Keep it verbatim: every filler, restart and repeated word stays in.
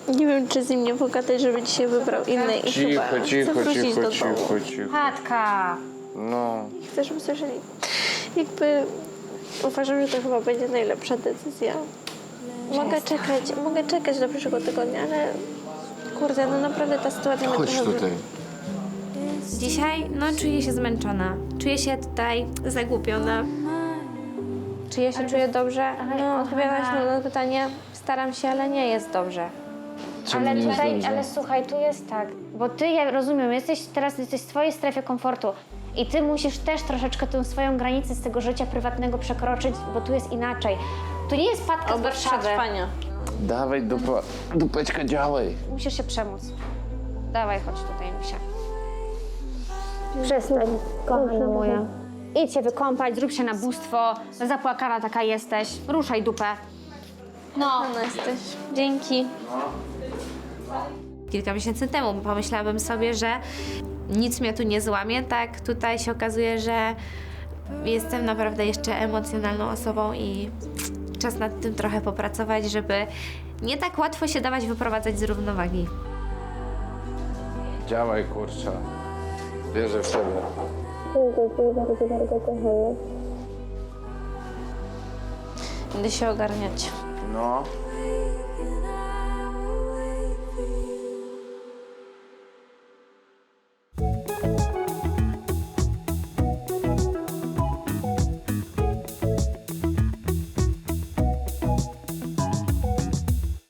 Nie wiem, czy z nim nie pogadać, żeby dzisiaj wybrał inny i Cicho, chyba cicho, chcę wrócić cicho, do cicho, domu. cicho. Patka! No. Chcę, żeby słyszeli. Jakby uważam, że to chyba będzie najlepsza decyzja. Mogę czekać, mogę czekać do przyszłego tygodnia, ale kurde, no naprawdę ta sytuacja mnie Chodź trochę... tutaj. Dzisiaj, no, czuję się zmęczona. Czuję się tutaj zagłupiona. Czy ja się czuję dobrze? No, odpowiadałaś na pytanie. Staram się, ale nie jest dobrze. Czemu Ale nie jest tutaj, dobrze? ale słuchaj, tu jest tak, bo ty, ja rozumiem, jesteś teraz jesteś w swojej strefie komfortu i ty musisz też troszeczkę tę swoją granicę z tego życia prywatnego przekroczyć, bo tu jest inaczej. Tu nie jest Patka z Obok Warszawy. przetrwania. Dawaj, dupa, dupeczka, działaj. Musisz się przemóc. Dawaj, chodź tutaj, Misia. Przestań, kochana moja. Idź się wykąpać, zrób się na bóstwo. Zapłakana taka jesteś. Ruszaj dupę. No. No jesteś. Dzięki. Kilka miesięcy temu pomyślałabym sobie, że nic mnie tu nie złamie, tak? Tutaj się okazuje, że jestem naprawdę jeszcze emocjonalną osobą i czas nad tym trochę popracować, żeby nie tak łatwo się dawać wyprowadzać z równowagi. Działaj, kurczę. Wierzę w siebie. Idę się ogarniać. No.